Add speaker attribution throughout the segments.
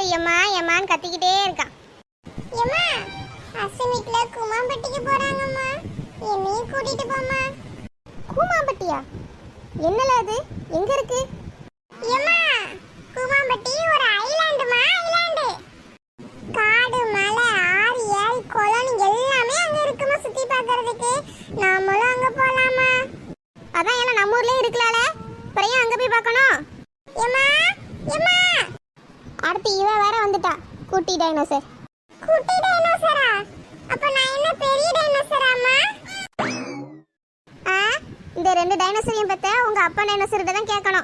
Speaker 1: எம்மா எம்மான்னு கத்திக்கிட்டே இருக்கான். எம்மா அஸ்வினிக்குல கூமாம்பட்டிக்கு போறாங்கம்மா, என்னையும் கூட்டிட்டு போம்மா. கூமாம்பட்டியா? என்னல அது, எங்க இருக்கு? எம்மா கூமாம்பட்டி ஒரு ஐலாண்டுமா, ஐலாண்டு. காடு மலை ஆறு ஏரி குளம் எல்லாமே அங்க இருக்குமா, சுத்தி பார்க்கிறதுக்கு. நாமளும் அங்க போலாமா? அதான் எல்லாம் நம்ம ஊர்லயே இருக்கலால, அப்புறம் அங்க போய் பார்க்கணும். எம்மா எம்மா அடுத்து இவ வேற வந்துட்டா, குட்டி டைனோசர். குட்டி டைனோசரா? அப்ப நான் என்ன பெரிய டைனோசராமா? இந்த ரெண்டு டைனோசரையும் பத்த உங்க அப்பா டைனோசர்கிட்ட தான் கேட்கணும்.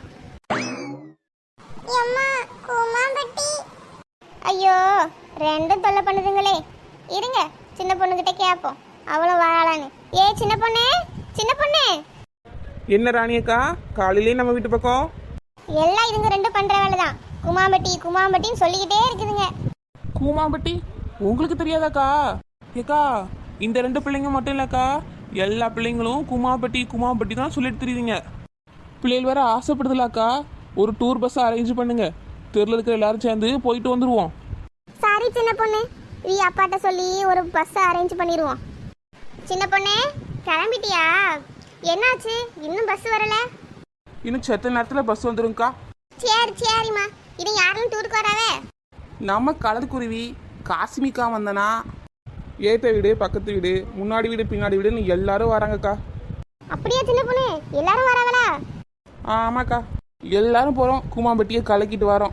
Speaker 1: எம்மா கூமாம்பட்டி. ஐயோ ரெண்டும் தொல்லை பண்ணுதுங்களே, இருங்க சின்ன பொண்ணுகிட்ட கேட்போம் அவளும் வாழலான்னு. ஏ சின்ன பொண்ணு, சின்ன பொண்ணு.
Speaker 2: என்ன ராணியக்கா, காலையிலேயே நம்ம வீட்டு பக்கம்?
Speaker 1: எல்லாம் இதுங்க ரெண்டும் பண்ற வேலை தான். கூமாம்பட்டி கூமாம்பட்டின்னு சொல்லிக்கிட்டே இருக்குதுங்க.
Speaker 2: கூமாம்பட்டி உங்களுக்கு தெரியாதாக்கா? ஏக்கா இந்த ரெண்டு பிள்ளைங்க மட்டும் இல்லக்கா, எல்லா பிள்ளைங்களும் கூமாம்பட்டி கூமாம்பட்டி தான் சொல்லிட்டு தெரியுதுங்க. பிள்ளைகள் வேற ஆசைப்படுதுலாக்கா, ஒரு டூர் பஸ் அரேஞ்ச் பண்ணுங்க, தெருல இருக்கிற எல்லாரும் சேர்ந்து போயிட்டு வந்துருவோம்.
Speaker 1: சாரி சின்ன பொண்ணு, நீ அப்பாட்ட சொல்லி ஒரு பஸ் அரேஞ்ச் பண்ணிடுவோம். சின்ன பொண்ணு கிளம்பிட்டியா? என்னாச்சு இன்னும் பஸ் வரல?
Speaker 2: இன்னும் செத்த நேரத்தில் பஸ் வந்துருங்கக்கா.
Speaker 1: சரி சரிம்மா, இது யாரும் டூருக்கு வராவே?
Speaker 2: நம்ம கலர் குருவி காஸ்மிகா வந்தனா, ஏத்த வீடு பக்கத்து வீடு முன்னாடி வீடு பின்னாடி வீடுன்னு எல்லாரும் வராங்கக்கா.
Speaker 1: அப்படியே சின்ன பொண்ணு எல்லாரும் வராங்களா?
Speaker 2: ஆமாக்கா, எல்லாரும் போகிறோம், கூமாம்பட்டியை கலக்கிட்டு வரோம்.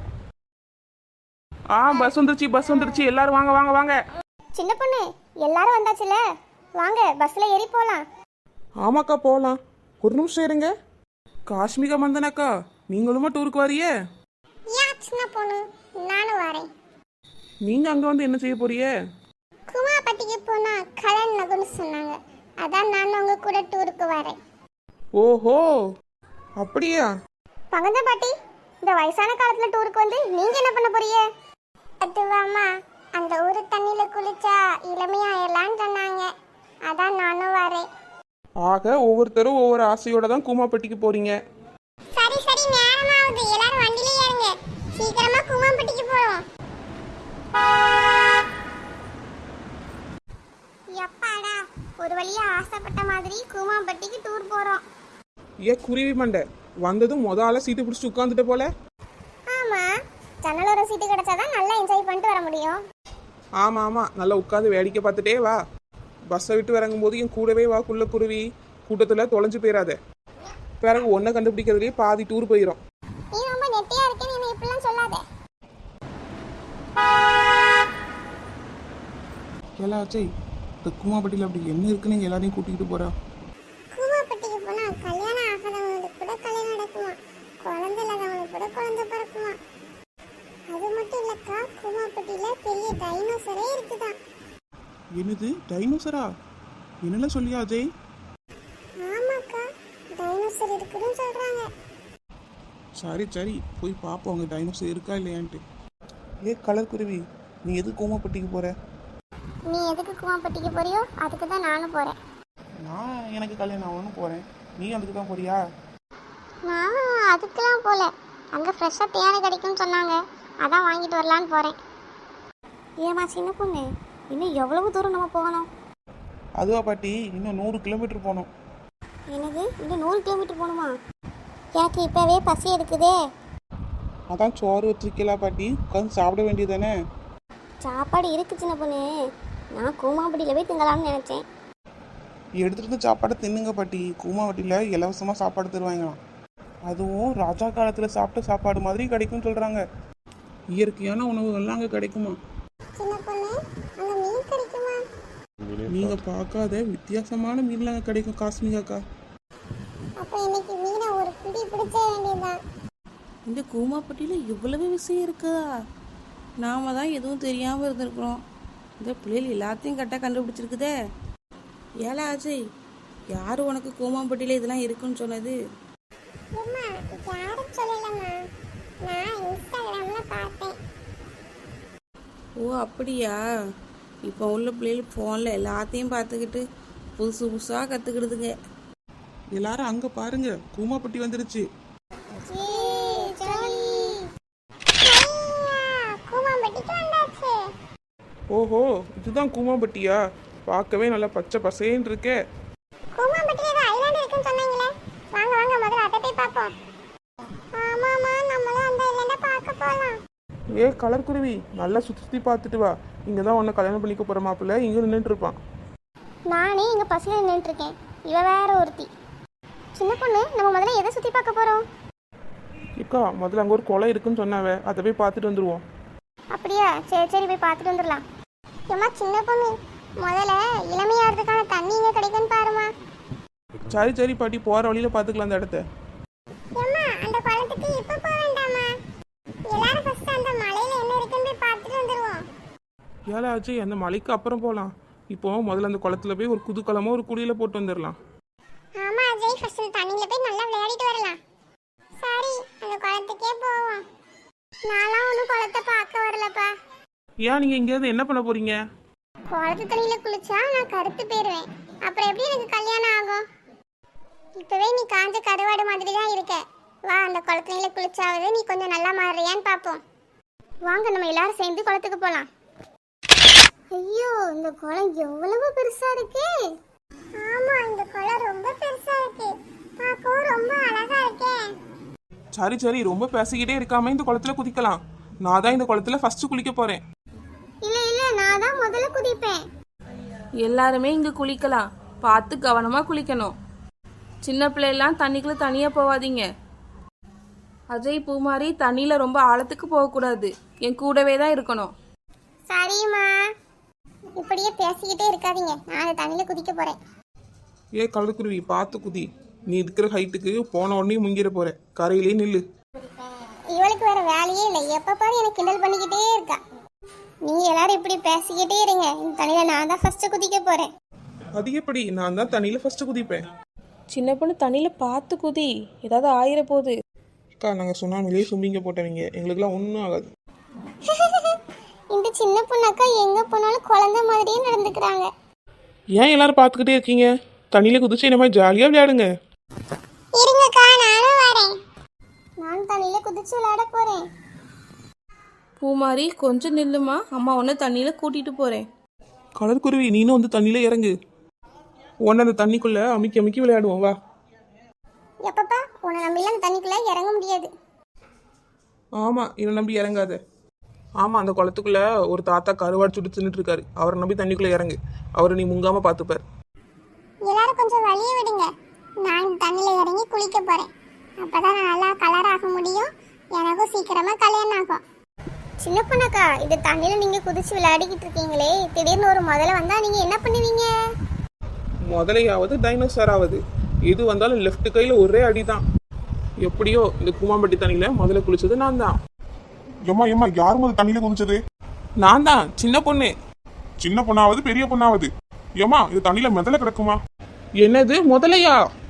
Speaker 2: பஸ் வந்துருச்சு பஸ் வந்துருச்சு, எல்லாரும் வாங்க வாங்க வாங்க.
Speaker 1: சின்ன பொண்ணு எல்லாரும் வந்தாச்சுல, வாங்க பஸ்ல ஏறி போலாம்.
Speaker 2: ஆமாக்கா போகலாம். ஒரு நிமிஷம் இருங்க. காஷ்மிகா மந்தனாக்கா, நீங்களுமா டூருக்கு வரியே?
Speaker 1: சின்ன பொண்ணு நானும் வரேன்.
Speaker 2: நீங்க அங்க வந்து என்ன செய்ய போறிய?
Speaker 1: கூமாம்பட்டிக்கு போனா கலன் நகுன்னு சொன்னாங்க, அதான் நான் உங்க கூட டூருக்கு வரேன்.
Speaker 2: ஓஹோ அப்படியா?
Speaker 1: பங்கஜ பாட்டி, இந்த வயசான காலத்துல டூருக்கு வந்து நீங்க என்ன பண்ண போறீங்க? அதுவாமா, அந்த ஊரு தண்ணியில குளிச்சா இளமையாயிரலான்னு சொன்னாங்க, அதான் நானும் வரேன்.
Speaker 2: ஆக ஒவ்வொருத்தரும் ஒவ்வொரு ஆசையோட தான் கூமாம்பட்டிக்கு போறீங்க.
Speaker 1: சரி சரி நேரமாகுது, எல்லாரும் வண்டியில ஏறுங்க, சீக்கிரமா கூமாம்பட்டிக்கு போறோம். எப்பாடா ஒரு வழியா ஆசைப்பட்ட மாதிரி கூமாம்பட்டிக்கு டூர் போறோம்.
Speaker 2: குருவி மண்டை வந்ததும் முதல்ல சீட்டு பிடிச்சி உட்காந்துட்ட போல.
Speaker 1: ஆமா, ஜன்னலோர சீட்டு கிடைச்சாதான் நல்லா என்ஜாய் பண்ணிட்டு வர முடியும்.
Speaker 2: ஆமா ஆமா, நல்லா உட்காந்து வேடிக்கை பார்த்துட்டே வா. பஸ்ஸை விட்டு இறங்கும் போது என் கூடவே வா குள்ள குருவி, கூட்டத்துல தொலைஞ்சு போயிடாத. பிறகு ஒன்றை கண்டுபிடிக்கிறதுலேயே பாதி டூர் போயிடும்.
Speaker 1: நீ ரொம்ப நெட்டியா இருக்கேன்னு என்ன இப்படிலாம் சொல்லாத.
Speaker 2: எல்லாச்சே இந்த கூமாம்பட்டியில் அப்படி என்ன இருக்குன்னு எல்லாரையும் கூட்டிகிட்டு போறா.
Speaker 1: கூமாம்பட்டிக்கு போனா கல்யாணம் ஆகாதவங்களுக்கு கூட கல்யாணம் நடக்குமா, குழந்தை இல்லாதவங்களுக்கு கூட குழந்தை பிறக்குமா. அது மட்டும் இல்லக்கா, கூமாம்பட்டியில பெரிய டைனோசரே இருக்குதான்.
Speaker 2: என்னது டைனோசரா? என்னெல்லாம் சொல்லியா அஜய்?
Speaker 1: ஆமாக்கா, டைனோசர் இருக்குன்னு சொல்றாங்க.
Speaker 2: சரி சரி போய் பார்ப்போம் அங்கே டைனோசர் இருக்கா இல்லையான்ட்டு. கலர் குருவி, நீ எதுக்கு கூமாம்பட்டிக்கு போற?
Speaker 1: நீ எதுக்கு கூமாம்பட்டிக்கு போறியோ அதுக்கு தான் நானும் போறேன்.
Speaker 2: நான் எனக்கு கல்யாணம் ஆகணும்னு போறேன், நீ அதுக்கு தான் போறியா?
Speaker 1: நான் அதுக்கெல்லாம் போல, அங்கே ஃப்ரெஷ்ஷாக தேனை கிடைக்கும்னு சொன்னாங்க, அதான் வாங்கிட்டு வரலான்னு போகிறேன். ஏமா சின்ன பொண்ணு, இன்னும் எவ்வளவு தூரம் நம்ம போகணும்?
Speaker 2: அதுவா பாட்டி, இன்னும் 100 கிலோமீட்டர் போகணும்.
Speaker 1: எனக்கு இன்னும் 100 கிலோமீட்டர் போகணுமா? எனக்கு இப்போவே பசி எடுக்குதே.
Speaker 2: அதான் சோறு வச்சிருக்கலாம் பாட்டி, உட்காந்து சாப்பிட வேண்டியதானே.
Speaker 1: சாப்பாடு இருக்கு சின்ன பொண்ணு, நான் கூமாம்பட்டியில் போய் திங்கலாம்னு நினச்சேன்.
Speaker 2: எடுத்துகிட்டு வந்து சாப்பாடை தின்னுங்க பாட்டி, கூமாம்பட்டியில் இலவசமாக சாப்பாடு தருவாங்களாம். அதுவும் ராஜா காலத்தில் சாப்பிட்ட சாப்பாடு மாதிரி கிடைக்கும்னு சொல்கிறாங்க. இயற்கையான உணவுகள்லாம் அங்கே கிடைக்குமா?
Speaker 1: சின்ன பொண்ணு, அங்கே மீன் கிடைக்குமா?
Speaker 2: நீங்கள் பார்க்காத வித்தியாசமான மீன்லாம் அங்கே கிடைக்கும் காஸ்மிகாக்கா.
Speaker 1: அப்போ இன்னைக்கு மீனை ஒரு பிடி பிடிச்ச வேண்டியதுதான்.
Speaker 3: இந்த கூமாம்பட்டியில் இவ்வளவு விஷயம் இருக்குதா? நாம தான் எதுவும் தெரியாமல் இருந்திருக்கிறோம். இந்த பிள்ளைகள் எல்லாத்தையும் கரெக்டாக கண்டுபிடிச்சிருக்குதே. ஏலா அஜய், யார் உனக்கு கூமாம்பட்டியில் இதெல்லாம் இருக்குன்னு சொன்னது? ஓ அப்படியா? இப்போ உள்ள பிள்ளைகள் ஃபோனில் எல்லாத்தையும் பார்த்துக்கிட்டு புதுசு புதுசாக கற்றுக்கிடுதுங்க.
Speaker 2: எல்லாரும் அங்கே பாருங்க, கூமாம்பட்டி வந்துருச்சு. ஓஹோ, இதுதான் கூமாம்பட்டியா? பார்க்கவே நல்லா பச்சை பசேன்னு இருக்கே.
Speaker 1: கூமாம்பட்டியில ஏதோ ஐலாண்ட் இருக்குன்னு சொன்னாங்களே. வாங்க வாங்க முதல்ல அதை போய் பார்ப்போம். ஆமாமா, நம்மளும் அந்த ஐலாண்ட பார்க்க போலாம்.
Speaker 2: ஏ கலர் குருவி, நல்லா சுற்றி சுற்றி பார்த்துட்டு வா. இங்கே தான் உன்னை கல்யாணம் பண்ணிக்க போகிற மாப்பிள்ள இங்கே நின்றுட்டு இருப்பான்.
Speaker 1: நானே இங்க பஸ்ல நின்றுட்டு இருக்கேன், இவ வேற ஒருத்தி. சின்ன பொண்ணு, நம்ம முதல்ல எதை சுத்தி பார்க்க போறோம்?
Speaker 2: இக்கா, முதல்ல அங்கே ஒரு குளம் இருக்குன்னு சொன்னாவே, அதை போய் பார்த்துட்டு வந்துடுவோம்.
Speaker 1: அப்படியா? சரி சரி, போய் பார்த்துட்டு வந்துடலாம். ஏம்மா சின்ன பொண்ணு, முதல்ல இளமையாகிறதுக்கான தண்ணி இங்க கிடைக்குன்னு பாருமா.
Speaker 2: சரி சரி பாட்டி, போகிற வழியில் பார்த்துக்கலாம் அந்த இடத்த.
Speaker 1: ஏம்மா, அந்த குளத்துக்கு இப்ப போக வேண்டாமா? எல்லாரும் ஃபர்ஸ்ட் அந்த மலையில என்ன இருக்குன்னு போய் பார்த்துட்டு வந்துருவோம்.
Speaker 2: ஏழை ஆச்சு, அந்த மலைக்கு அப்புறம் போகலாம். இப்போ முதல்ல அந்த குளத்துல போய் ஒரு குதூகலமாக ஒரு குடியில் போட்டு வந்துடலாம்.
Speaker 1: ஆமா அஜய், ஃபர்ஸ்ட் தண்ணியில போய் நல்லா விளையாடிட்டு வரலாம். சரி, அந்த குளத்துக்கே போவோம். நான்லாம் ஒன்றும் குளத்தை பார்க்க வரலப்பா.
Speaker 2: ஏன் நீங்கள் இங்கேருந்து என்ன பண்ண போகிறீங்க?
Speaker 1: குளத்து தண்ணியில குளிச்சா நான் கருத்து போயிருவேன். அப்புறம் எப்படி எனக்கு கல்யாணம் ஆகும்? இப்பவே நீ காஞ்ச கருவாடு மாதிரி தான் இருக்க. வா, அந்த குளத்து தண்ணியில குளிச்சாவது நீ கொஞ்சம் நல்லா மாறுறியான்னு பார்ப்போம். வாங்க, நம்ம எல்லாரும் சேர்ந்து குளத்துக்கு போலாம். ஐயோ, இந்த குளம் எவ்வளவு பெருசா இருக்கு. ஆமா, இந்த குளம் ரொம்ப பெருசா இருக்கு. பார்க்கவும் ரொம்ப அழகா இருக்கே.
Speaker 2: சரி சரி, ரொம்ப பேசிக்கிட்டே இருக்காம இந்த குளத்துல குதிக்கலாம். நான் தான் இந்த குளத்துல ஃபர்ஸ்ட் குளிக்க போறேன்.
Speaker 1: இல்ல இல்ல, நான் தான் முதல்ல குதிப்பேன்.
Speaker 3: எல்லாருமே இங்கே குளிக்கலாம். பார்த்து கவனமாக குளிக்கணும். சின்ன பிள்ளைலாம் தண்ணிக்குள்ளே தனியாக போகாதீங்க. அஜய், பூமாரி, தண்ணியில் ரொம்ப ஆழத்துக்கு போகக்கூடாது. என் கூடவே தான் இருக்கணும்.
Speaker 1: சரிம்மா, இப்படியே பேசிக்கிட்டே இருக்காதீங்க, நான் அந்த தண்ணியில குதிக்க போறேன்.
Speaker 2: ஏ கலக்குருவி, பார்த்து குதி. நீ இருக்கிற ஹைட்டுக்கு போன உடனே முங்கிட போற. கரையிலே நில்லு.
Speaker 1: இவளுக்கு வேற வேலையே இல்லை, எப்ப பாரு எனக்கு கிண்டல் பண்ணிக்கிட்டே இருக்கா. நீங்க எல்லாரும் இப்படி பேசிக்கிட்டே இருங்க, இந்த தண்ணியில நான் தான் ஃபர்ஸ்ட் குதிக்க போறேன்.
Speaker 2: அது எப்படி? நான் தான் தண்ணியில ஃபர்ஸ்ட் குதிப்பேன்.
Speaker 3: சின்ன பொண்ணு, தண்ணியில் பார்த்து குதி, ஏதாவது ஆயிர போகுது.
Speaker 2: அக்கா, நாங்கள் சுனாமிலேயே சும்பிங்க போட்டவங்க, எங்களுக்குலாம் ஒன்றும் ஆகாது.
Speaker 1: இந்த சின்ன பொண்ணாக்கா எங்க போனாலும் குழந்தை மாதிரியே நடந்துக்கிறாங்க.
Speaker 2: ஏன் எல்லாரும் பார்த்துக்கிட்டே இருக்கீங்க? தண்ணியில குதிச்சு இந்த மாதிரி ஜாலியாக விளையாடுங்க.
Speaker 1: இருங்கக்கா, நானும் வரேன். நான் தண்ணியில குதிச்சு விளையாட போறேன்.
Speaker 3: பூமாரி, கொஞ்சம் நில்லுமா, அம்மா உன்னை தண்ணியில் கூட்டிகிட்டு போகிறேன்.
Speaker 2: கலர்குருவி, நீனும் வந்து தண்ணியில இறங்கு. உன்னை அந்த தண்ணிக்குள்ள அமுக்கி அமுக்கி விளையாடுவோம், வா.
Speaker 1: எப்பப்பா, உன்னை நம்பிலாம் அந்த தண்ணிக்குள்ள இறங்க முடியாது.
Speaker 2: ஆமாம், என்னை நம்பி இறங்காத. ஆமாம், அந்த குளத்துக்குள்ள ஒரு தாத்தா கருவாடு சுட்டு தின்னுட்டு இருக்காரு. அவரை நம்பி தண்ணிக்குள்ள இறங்கு. அவரை நீ முங்காம பார்த்துப்பார்.
Speaker 1: எல்லாரும் கொஞ்சம் வழிய விடுங்க, நான் இந்த தண்ணியில இறங்கி குளிக்க போறேன். அப்பதான் நான் நல்லா கலர் ஆக முடியும், எனக்கும் சீக்கிரமா கல்யாணம் ஆகும். சின்ன பொண்ணாக்கா, இது தண்ணியில நீங்க குதிச்சு விளையாடிக்கிட்டு இருக்கீங்களே, திடீர்னு ஒரு முதல்ல வந்தா நீங்க என்ன பண்ணுவீங்க?
Speaker 2: முதலையாவது டைனோசராவது எது வந்தாலும் லெஃப்ட் கையில் ஒரே அடிதான். எப்படியோ இந்த கூமாம்பட்டி தண்ணியில முதல்ல குளிச்சது நான் தான்.
Speaker 4: ஏம்மா ஏம்மா, யார் முதல் தண்ணியில குதிச்சது?
Speaker 2: நான் தான், சின்ன பொண்ணு.
Speaker 4: சின்ன பொண்ணாவது பெரிய பொண்ணாவது? ஏம்மா, இது தண்ணியில மிதல கிடக்குமா?
Speaker 2: என்னது முதலையா?